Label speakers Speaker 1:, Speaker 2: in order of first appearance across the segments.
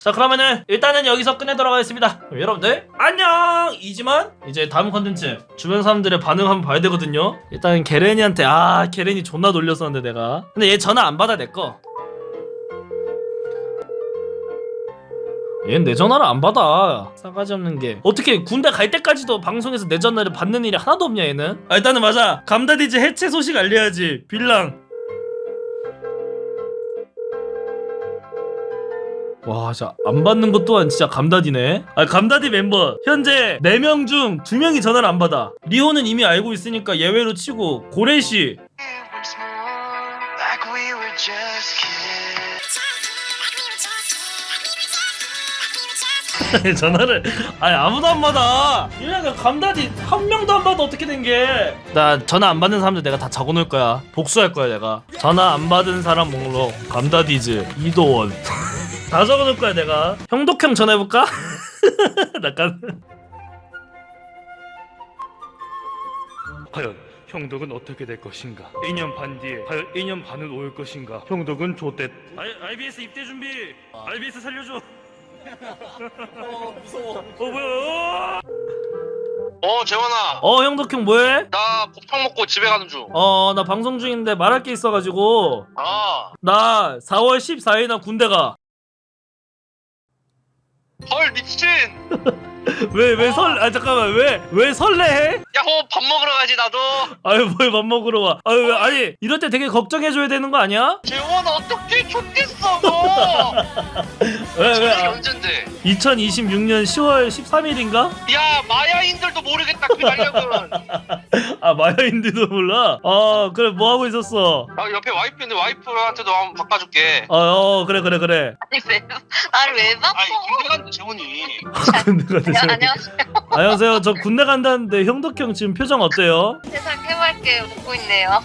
Speaker 1: 자, 그러면은 일단은 여기서 끝내도록 하겠습니다. 여러분들 안녕. 이지만 이제 다음 컨텐츠 주변 사람들의 반응 한번 봐야 되거든요. 일단 게렌이한테 게렌이 존나 놀렸었는데 내가. 근데 얘 전화 안 받아 내꺼. 얘는 내 전화를 안 받아. 싸가지 없는 게. 어떻게 군대 갈 때까지도 방송에서 내 전화를 받는 일이 하나도 없냐 얘는. 일단은 맞아. 감다디즈 해체 소식 알려야지. 빌랑. 와, 진짜 안 받는 것 또한 진짜 감다디네. 감다디 멤버 현재 4명 중 2명이 전화를 안 받아. 리호는 이미 알고 있으니까 예외로 치고 고래씨 전화를 아무도 안 받아. 이러니까 감다디 한 명도 안 받아. 어떻게 된 게. 나 전화 안 받는 사람들 내가 다 적어놓을 거야. 복수할 거야 내가. 전화 안 받은 사람 목록 감다디즈 이도원 다 적어놓을 거야 내가. 형독형 전화해볼까? 약간
Speaker 2: 과연 형덕은 어떻게 될 것인가? 2년 반 뒤에 과연 2년 반은 올 것인가? 형덕은 좆댓.
Speaker 1: IBS 입대 준비. IBS 살려줘.
Speaker 3: 무서워.
Speaker 1: 뭐야.
Speaker 3: 재원아.
Speaker 1: 형독형 뭐해?
Speaker 3: 나 곱창 먹고 집에 가는 중.
Speaker 1: 나 방송 중인데 말할 게 있어가지고. 나 4월 14일 날 군대 가.
Speaker 3: 헐 미친.
Speaker 1: 잠깐만 왜 설레해?
Speaker 3: 야호 밥 먹으러 가지 나도.
Speaker 1: 뭘 밥 먹으러 와. 아니 이럴 때 되게 걱정해줘야 되는 거 아니야?
Speaker 3: 재원아 어떻게 좋겠어 너.
Speaker 1: 왜?
Speaker 3: 언젠데?
Speaker 1: 2026년 10월 13일인가?
Speaker 3: 야 마야인들도 모르겠다 그 달력은.
Speaker 1: 마야인들도 몰라? 그래 뭐 하고 있었어?
Speaker 3: 옆에 와이프 있는데 와이프한테도 한번 바꿔줄게.
Speaker 1: 그래
Speaker 4: 아니 왜 바꿔?
Speaker 3: 군대 간다 재원이.
Speaker 1: 군대 간다.
Speaker 4: 안녕하세요.
Speaker 1: 안녕하세요. 저 군대 간다는데 형덕형 지금 표정 어때요?
Speaker 4: 세상 해맑게 웃고 있네요.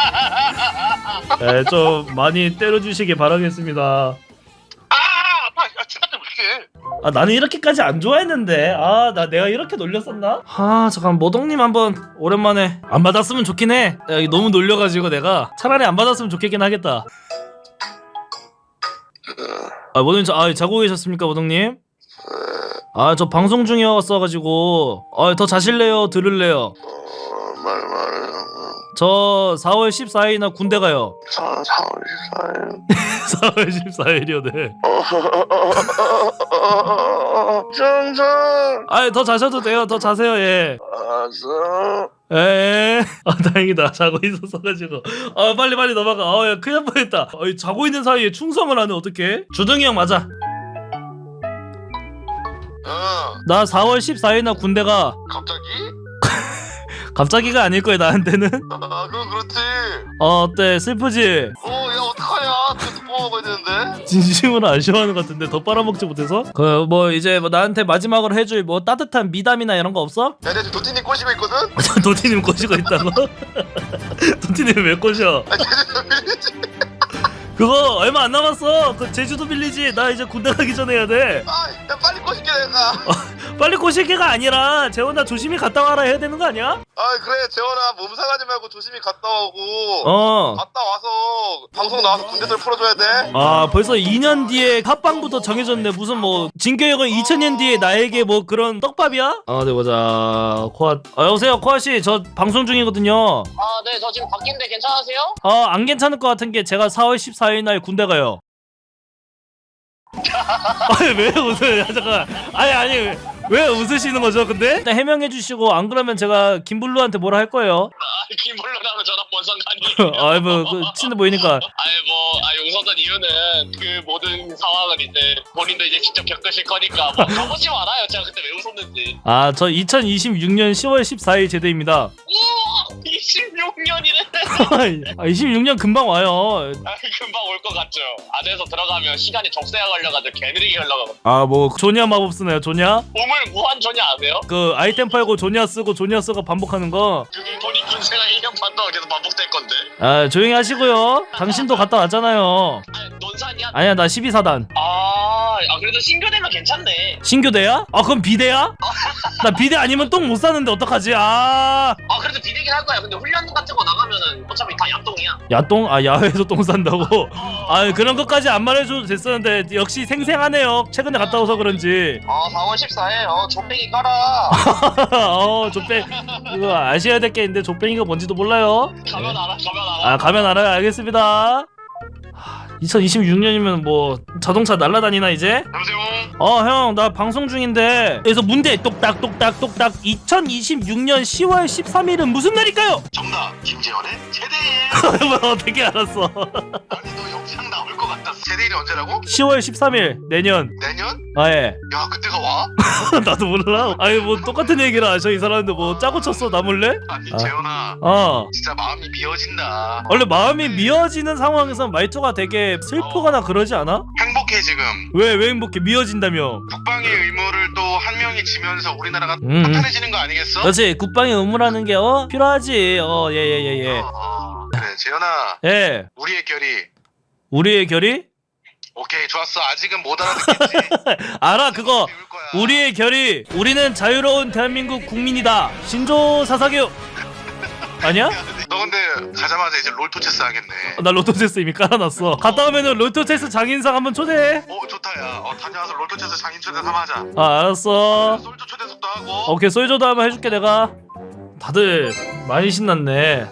Speaker 1: 네, 좀 많이 때려주시길 바라겠습니다.
Speaker 3: 아빠 야 잠깐 좀 어떡해.
Speaker 1: 나는 이렇게까지 안 좋아했는데. 내가 이렇게 놀렸었나? 잠깐 모동님 한번 오랜만에 안 받았으면 좋긴 해. 이거 너무 놀려가지고 내가 차라리 안 받았으면 좋겠긴 하겠다. 모동님 자고 계셨습니까 모동님? 저 방송 중이었어가지고 더 자실래요? 들을래요?
Speaker 5: 말해요.
Speaker 1: 저 4월 14일 날 군대 가요.
Speaker 5: 4월 14일.
Speaker 1: 4월 14일이요. 네.
Speaker 5: 정상.
Speaker 1: 더 자셔도 돼요. 더 자세요. 예.
Speaker 5: 알았어.
Speaker 1: 에. 다행이다. 자고 있었어가지고. 빨리 넘어가. 야 큰일 날 뻔했다. 자고 있는 사이에 충성을 하네. 어떡해? 주둥이 형 맞아. 나 4월 14일 날 군대 가.
Speaker 5: 갑자기?
Speaker 1: 갑자기가 아닐 거야 나한테는.
Speaker 5: 그건 그렇지.
Speaker 1: 어때? 슬프지?
Speaker 5: 야 어떡하냐? 또 뽑아먹어야 되는데.
Speaker 1: 진심으로 아쉬워하는 것 같은데 더 빨아먹지 못해서? 이제 나한테 마지막으로 해줄 따뜻한 미담이나 이런 거 없어?
Speaker 5: 야 내가 지금 도티님 꼬시고 있거든?
Speaker 1: 도티님 꼬시고 있다고? 도티님 왜 꼬셔?
Speaker 5: 제주도 빌리지.
Speaker 1: 그거 얼마 안 남았어. 그 제주도 빌리지. 나 이제 군대 가기 전에 해야 돼.
Speaker 5: 야 빨리 꼬실게 내가.
Speaker 1: 빨리 꼬실 게가 아니라 재원아 조심히 갔다 와라 해야 되는 거 아니야?
Speaker 5: 그래 재원아 몸 상하지 말고 조심히 갔다 오고. 갔다 와서 방송 나와서 군대들 풀어줘야 돼.
Speaker 1: 벌써 2년 뒤에 합방부터 정해졌네. 무슨 진교역은 2000년 뒤에 나에게 그런 떡밥이야? 네 보자. 코아. 여보세요 코아씨 저 방송 중이거든요.
Speaker 4: 네, 저 지금 바뀐데 괜찮으세요?
Speaker 1: 안 괜찮을 것 같은 게 제가 4월 14일 날 군대 가요. 왜 웃어요? 잠깐. 아니 왜 웃으시는 거죠? 근데 일단 해명해 주시고 안 그러면 제가 김블루한테 뭐라 할 거예요.
Speaker 3: 김블루랑은 저랑 뭔 상관이.
Speaker 1: 친해 보이니까.
Speaker 3: 웃었던 이유는 그 모든 상황을 이제 본인도 이제 직접 겪으실 거니까 가보지 말아요. 제가 그때 왜 웃었는지.
Speaker 1: 저 2026년 10월 14일 제대입니다.
Speaker 3: 우와 26년이네.
Speaker 1: 26년 금방 와요.
Speaker 3: 금방 올 것 같죠. 안에서 들어가면 시간이 적세가 걸려가지고 개느리게 흘러가고.
Speaker 1: 조냐 마법 쓰나요? 조냐?
Speaker 3: 보물 무한 전이 아세요?
Speaker 1: 그 아이템 팔고 조냐 쓰고 조냐 쓰고 반복하는 거.
Speaker 3: 그게 본인 군생활 1년 반 동안 계속 반복될 건데.
Speaker 1: 조용히 하시고요. 당신도 갔다 왔잖아요.
Speaker 3: 논산이야?
Speaker 1: 아니야 나 12사단.
Speaker 3: 그래도 신교대면 괜찮네.
Speaker 1: 신교대야? 그럼 비대야? 나 비대 아니면 똥 못 싸는데 어떡하지? 아
Speaker 3: 그래도 비대긴 할 거야. 근데 훈련 같은 거 나가면은 어차피 다 야똥이야.
Speaker 1: 야똥? 아 야외에서 똥 싼다고? 아 그런 것까지 안 말해줘도 됐었는데 역시 생생하네요. 최근에 갔다 와서 그런지.
Speaker 3: 4월 14일 조뱅이 깔아.
Speaker 1: 조뱅 이거 아셔야 될 게 있는데 조뱅이가 뭔지도 몰라요.
Speaker 3: 가면 알아.
Speaker 1: 가면 알아요. 알겠습니다. 2026년이면 뭐 자동차 날라다니나 이제?
Speaker 3: 여보세요?
Speaker 1: 형 나 방송 중인데 그래서 문제 똑딱똑딱똑딱 2026년 10월 13일은 무슨 날일까요?
Speaker 3: 정답 김재현의 최대일.
Speaker 1: 뭐 어떻게 알았어?
Speaker 3: 아니 너 영상 나올 것 같았어. 최대일이 언제라고?
Speaker 1: 10월 13일 내년.
Speaker 3: 내년?
Speaker 1: 예.
Speaker 3: 야 그때가 와?
Speaker 1: 나도 몰라. 아니 뭐 똑같은 얘기를 하셔 이 사람인데 뭐 짜고 쳤어 나 몰래?
Speaker 3: 아니 재현아 진짜 마음이 미어진다.
Speaker 1: 원래 마음이 미어지는 상황에서 말투가 되게 슬프거나 그러지 않아?
Speaker 3: 행복해 지금.
Speaker 1: 왜 행복해? 미어진다며.
Speaker 3: 국방의 의무를 또 한 명이 지면서 우리나라가 탄탄해지는 거 아니겠어?
Speaker 1: 그렇지. 국방의 의무라는 게 필요하지. 예.
Speaker 3: 그래 재현아
Speaker 1: 예. 우리의 결의?
Speaker 3: 오케이 좋았어. 아직은 못 알아듣겠지.
Speaker 1: 알아 그거.
Speaker 3: 배울 거야.
Speaker 1: 우리의 결의. 우리는 자유로운 대한민국 국민이다. 신조 사사교. 아니야?
Speaker 3: 너 근데 가자마자 이제 롤토체스 하겠네.
Speaker 1: 나 로또체스 이미 깔아놨어. 갔다 오면은 로또체스 장인상 한번 초대해.
Speaker 3: 좋다 야. 다녀와서 롤토체스 장인 초대 삼 하자.
Speaker 1: 알았어.
Speaker 3: 솔저 초대석도 하고.
Speaker 1: 오케이 솔조도 한번 해줄게 내가. 다들 많이 신났네.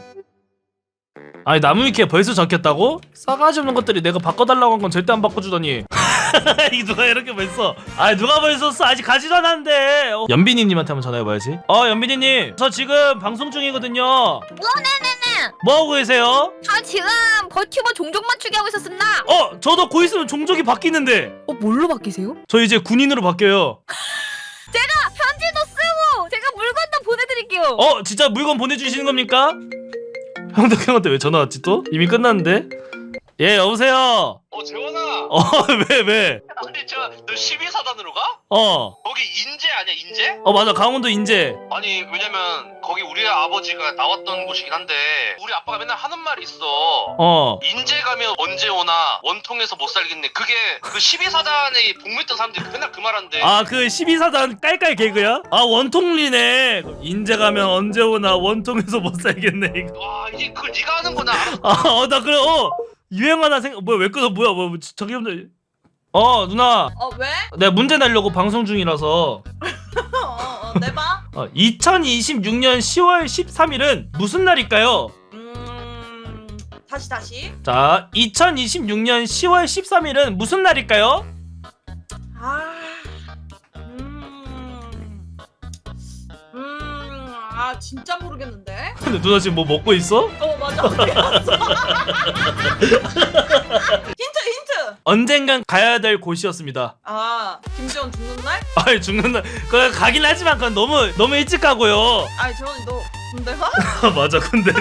Speaker 1: 아니 나무위키에 벌써 적혔다고? 싸가지 없는 것들이 내가 바꿔달라고 한 건 절대 안 바꿔주더니 이 누가 이렇게 벌써 누가 벌써 써 아직 가지도 않았는데 연빈이님한테 한번 전화해봐야지. 연빈이님 저 지금 방송 중이거든요.
Speaker 6: 네네네.
Speaker 1: 뭐하고 계세요?
Speaker 6: 저 지금 버튜버 종족 맞추기 하고 있었습니다.
Speaker 1: 저도 곧 있으면 종족이 바뀌는데
Speaker 6: 뭘로 바뀌세요?
Speaker 1: 저 이제 군인으로 바뀌어요.
Speaker 6: 제가 편지도 쓰고 제가 물건도 보내드릴게요.
Speaker 1: 진짜 물건 보내주시는 겁니까? 형한테 왜 전화 왔지 또? 이미 끝났는데? 예 여보세요.
Speaker 3: 재원아.
Speaker 1: 왜?
Speaker 3: 아니 너 12사단으로 가?
Speaker 1: 거기
Speaker 3: 인제 아니야 인제?
Speaker 1: 맞아 강원도 인제.
Speaker 3: 아니 왜냐면 거기 우리 아버지가 나왔던 곳이긴 한데 우리 아빠가 맨날 하는 말이 있어. 인제 가면 언제 오나 원통에서 못 살겠네. 그게 그 12사단에 복무했던 사람들이 맨날 그 말한대.
Speaker 1: 그 12사단 깔깔 개그야? 원통리네. 인제 가면 언제 오나 원통에서 못 살겠네 이거.
Speaker 3: 와 이제 그걸 네가 하는구나.
Speaker 1: 나 그래 유행 하나 왜 끊어 뭐야 저기 없네. 누나
Speaker 7: 왜?
Speaker 1: 내가 문제 내려고 방송 중이라서
Speaker 7: 내봐.
Speaker 1: 2026년 10월 13일은 무슨 날일까요?
Speaker 7: 다시.
Speaker 1: 자 2026년 10월 13일은 무슨 날일까요?
Speaker 7: 진짜 모르겠는데.
Speaker 1: 근데 누나 지금 뭐 먹고 있어?
Speaker 7: 맞아. 힌트.
Speaker 1: 언젠간 가야 될 곳이었습니다.
Speaker 7: 김재원 죽는 날?
Speaker 1: 죽는 날 그거 가긴 하지만 그건 너무 일찍 가고요.
Speaker 7: 재원이 너 군대 가?
Speaker 1: 맞아 군대가.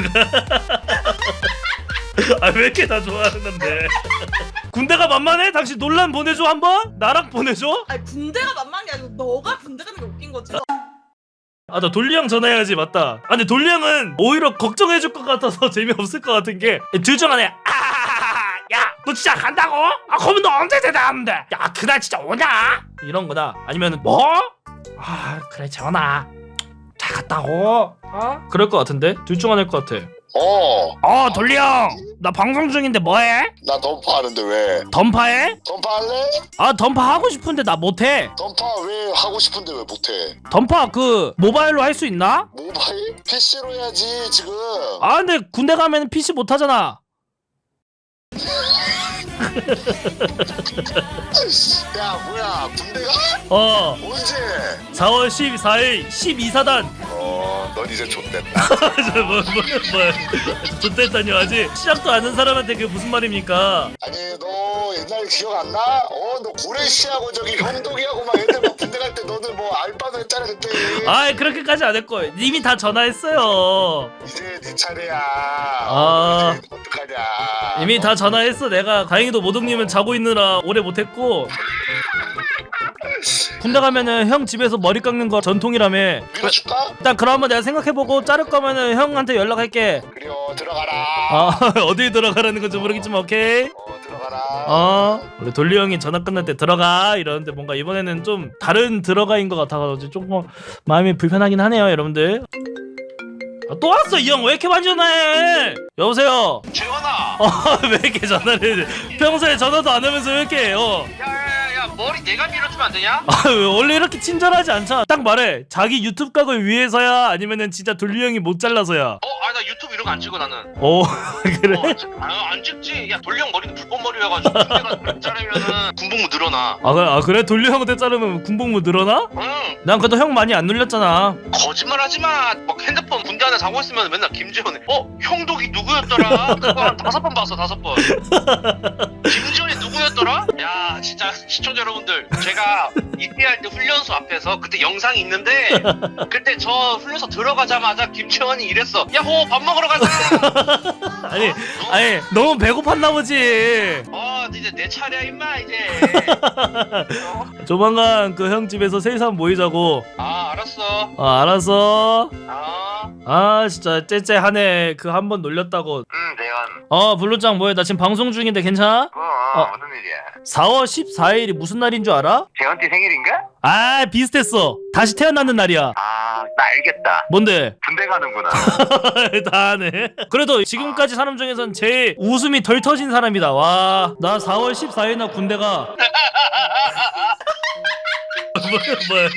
Speaker 1: 왜 이렇게 다 좋아하는 건데? 군대가 만만해? 당신 논란 보내줘 한번? 나랑 보내줘?
Speaker 7: 군대가 만만한 게 아니고 너가 군대 가는 게 웃긴 거지.
Speaker 1: 나 돌리 형 전화해야지 맞다. 근데 돌리 형은 오히려 걱정해줄 것 같아서 재미없을 것 같은 게 둘 중 하나야. 야 너 진짜 간다고? 그러면 너 언제 대답하는데? 야 그날 진짜 오냐? 이런 거다. 아니면은 뭐? 그래 재원아 잘 갔다고. 그럴 것 같은데? 둘 중 하나일 것 같아. 돌리 형 나 방송 중인데 뭐해?
Speaker 5: 나 던파 하는데 왜?
Speaker 1: 던파해?
Speaker 5: 던파 할래?
Speaker 1: 던파 하고 싶은데 나 못해.
Speaker 5: 던파 왜 하고 싶은데 왜 못해?
Speaker 1: 던파 모바일로 할 수 있나?
Speaker 5: 모바일? PC로 해야지 지금.
Speaker 1: 근데 군대 가면 PC 못 하잖아.
Speaker 5: 야 뭐야 군대가? 언제?
Speaker 1: 4월 14일 12사단.
Speaker 5: 넌 이제 좆됐다.
Speaker 1: 좋댔다뇨 아직 시작도 안 한 사람한테 그게 무슨 말입니까?
Speaker 5: 아니 너 옛날 기억 안 나? 너 고래씨하고 저기 형독이하고 막 애들 막 군대 갈 때 너는 뭐 알바도 했잖아 그때.
Speaker 1: 그렇게까지 안 했고 이미 다 전화했어요.
Speaker 5: 이제 네 차례야. 이제 어떡하냐.
Speaker 1: 이미 다 전화했어 내가. 다행히도 모동님은 자고 있느라 오래 못했고. 군대 가면은 형 집에서 머리 깎는 거 전통이라며.
Speaker 5: 밀어줄까?
Speaker 1: 일단 그럼 한번 내가 생각해보고 자를 거면은 형한테 연락할게.
Speaker 5: 그래요 들어가라.
Speaker 1: 어디 들어가라는 건지 모르겠지만 오케이.
Speaker 5: 들어가라.
Speaker 1: 우리 돌리 형이 전화 끝날 때 들어가 이러는데 뭔가 이번에는 좀 다른 들어가인 것 같아가지고 조금 마음이 불편하긴 하네요 여러분들. 또 왔어 이 형 왜 이렇게 많이 전화해? 여보세요.
Speaker 3: 재원아.
Speaker 1: 왜 이렇게 전화를 해? 평소에 전화도 안 하면서 왜 이렇게 해요?
Speaker 3: 야야야 머리 내가 밀어주면 안 되냐?
Speaker 1: 원래 이렇게 친절하지 않잖아. 딱 말해. 자기 유튜브 각을 위해서야 아니면은 진짜 돌리 형이 못 잘라서야?
Speaker 3: 나 유튜브 이런 거 안 찍어 나는.
Speaker 1: 그래?
Speaker 3: 안 찍지. 야 돌리 형 머리는 불법 머리여가지고 군대 가서 그렇게 자르면은 군복무 늘어나.
Speaker 1: 그래? 돌리 형한테 자르면 군복무 늘어나?
Speaker 3: 응.
Speaker 1: 난 그래도 형 많이 안 눌렸잖아.
Speaker 3: 거짓말하지 마. 막 핸드폰 군대 안에 자고 있으면 맨날 김지현이 형독이 누구였더라? 그거 한 5번 봤어 5번. 김지현이 누구였더라? 야 진짜 시청자 여러분들 제가 입대할 때 훈련소 앞에서 그때 영상이 있는데 그때 저 훈련소 들어가자마자 김지현이 이랬어. 야호 밥 먹으러 가자.
Speaker 1: 아니 너무 배고팠나 보지.
Speaker 3: 이제 내 차례야 임마 이제.
Speaker 1: 조만간 그 형 집에서 셋이서 모이자고.
Speaker 3: 알았어.
Speaker 1: 알았어.
Speaker 3: 진짜
Speaker 1: 째째하네. 그 한 번 놀렸다고.
Speaker 3: 대현.
Speaker 1: 블루짱 뭐해? 나 지금 방송 중인데 괜찮아?
Speaker 3: 무슨 일이야?
Speaker 1: 4월 14일이 무슨 날인 줄 알아?
Speaker 3: 재현띠 생일인가?
Speaker 1: 비슷했어. 다시 태어나는 날이야.
Speaker 3: 나 알겠다.
Speaker 1: 뭔데?
Speaker 3: 군대 가는구나.
Speaker 1: 다 하네. 그래도 지금까지 사람 중에선 제일 웃음이 덜 터진 사람이다. 와, 나 4월 14일 날 군대 가. 뭐야?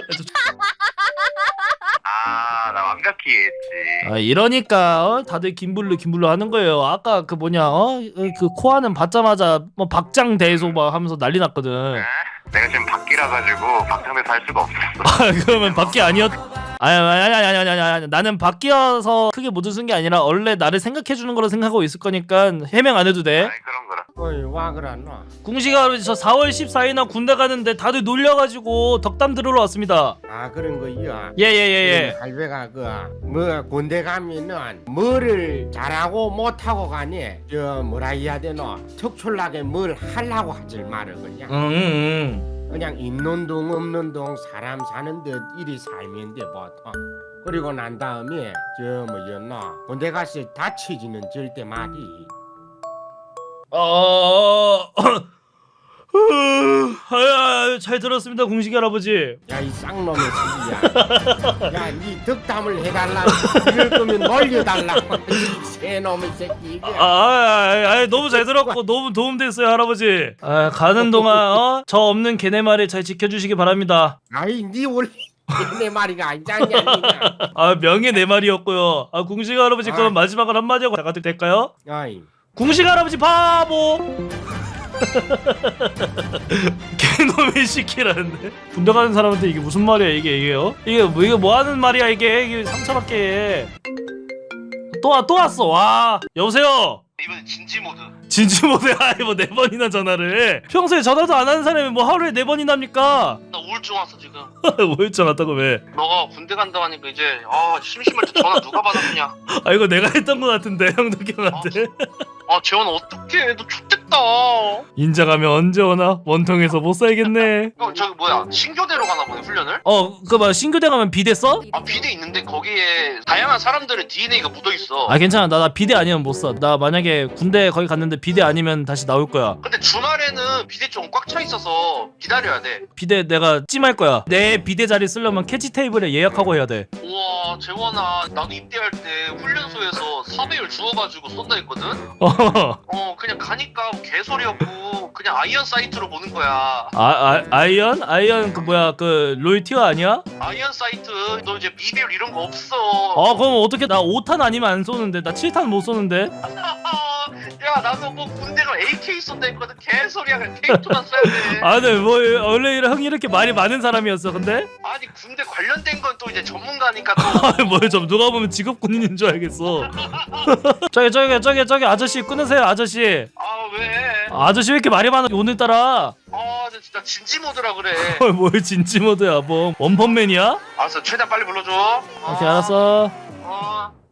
Speaker 3: 나 완벽히 이해했지.
Speaker 1: 이러니까 다들 김블루 하는 거예요. 아까 그 뭐냐 그 코아는 받자마자 뭐 박장대소 막 하면서 난리 났거든.
Speaker 3: 내가 지금 밖이라 가지고 박장대소 할 수가 없었어.
Speaker 1: 그러면 밖이 아니었. 아니 나는 밖이어서 크게 못 웃은 게 아니라 원래 나를 생각해주는 거로 생각하고 있을 거니까 해명 안 해도 돼.
Speaker 3: 그런 거라.
Speaker 8: 와 그러노.
Speaker 1: 궁시가 저 4월 14일 날 군대 가는데 다들 놀려가지고 덕담 들으러 왔습니다.
Speaker 8: 그런 거야.
Speaker 1: 예.
Speaker 8: 할배가 뭐 군대 가면은 뭐를 잘하고 못하고 가니 저 뭐라 해야 되노 척출나게 뭘 하려고 하질 말어 그냥. 그냥 있는 동 없는 동 사람 사는 듯 이리 살면 돼 보통. 그리고 난 다음에 저 뭐였노 군대 가서 다치지는 절대 말이.
Speaker 1: 잘 들었습니다 궁식이 할아버지.
Speaker 8: 야 이 쌍놈의 새끼야. 야 니 덕담을 해달라. 이럴 거면 놀려달라고. 이 새놈의 새끼.
Speaker 1: 너무 잘 들었고 너무 도움됐어요 할아버지. 가는 동안 저 없는 걔네 말을 잘 지켜주시기 바랍니다.
Speaker 8: 니 원래 내 말이가 아니잖냐.
Speaker 1: 명예 내 말이었고요. 궁식 할아버지 그럼 마지막으로 한마디 하고 가도 될까요? 궁식 할아버지 바보. 개놈의 시키라는데 군대 가는 사람한테 이게 무슨 말이야 이게요? 이게 뭐 하는 말이야 이게 상처받게 해. 또 왔어. 와 여보세요.
Speaker 3: 이번엔 진지 모드.
Speaker 1: 진지 모드야. 뭐 4번이나 전화를 해. 평소에 전화도 안 하는 사람이 뭐 하루에 4번이나 합니까?
Speaker 3: 나 우울증 왔어 지금.
Speaker 1: 우울증 왔다고 왜?
Speaker 3: 너가 군대 간다고 하니까 이제 심심할 때 전화 누가 받아주냐.
Speaker 1: 이거 내가 했던 거 같은데 형덕 형한테.
Speaker 3: 재원 어떡해 너 X됐다.
Speaker 1: 인자가면 언제 오나? 원통에서 못 살겠네.
Speaker 3: 저기 뭐야 신교대로 가나 보네 훈련을?
Speaker 1: 신교대 가면 비대 써?
Speaker 3: 비대 있는데 거기에 다양한 사람들의 DNA가 묻어있어.
Speaker 1: 괜찮아. 나 비대 아니면 못 써. 나 만약에 군대 거기 갔는데 비대 아니면 다시 나올 거야.
Speaker 3: 근데 주말에는 비대 좀 꽉 차 있어서 기다려야 돼.
Speaker 1: 비대 내가 찜할 거야. 내 비대 자리 쓰려면 캐치 테이블에 예약하고 해야 돼.
Speaker 3: 우와 재원아 나도 입대할 때 훈련소에서 사배율 주워가지고 쏜다 했거든? 그냥 가니까 개소리였고 그냥 아이언 사이트로 보는 거야.
Speaker 1: 아이언? 아이언 그 뭐야 그 로이티어 아니야?
Speaker 3: 아이언 사이트 너 이제 비배율 이런 거 없어.
Speaker 1: 그럼 어떻게 나 5탄 아니면 안 쏘는데 나 7탄 못 쏘는데?
Speaker 3: 야 나도 뭐 군대 가면 AK 쏜다 했거든. 개소리야. 그냥 K2만 써야 돼.
Speaker 1: 근데 뭐 원래 형이 이렇게 말이 많은 사람이었어 근데?
Speaker 3: 아니 군대 관련된 건 또 이제 전문가니까 또.
Speaker 1: 뭐야 좀 누가 보면 직업 군인인 줄 알겠어. 저기 아저씨 끊으세요 아저씨.
Speaker 3: 왜?
Speaker 1: 아저씨 왜 이렇게 말이 많아 오늘따라.
Speaker 3: 진짜 진지 모드라 그래.
Speaker 1: 뭘 진지 모드야 뭐 원펀맨이야?
Speaker 3: 알았어 최대한 빨리 불러줘.
Speaker 1: 오케이 알았어.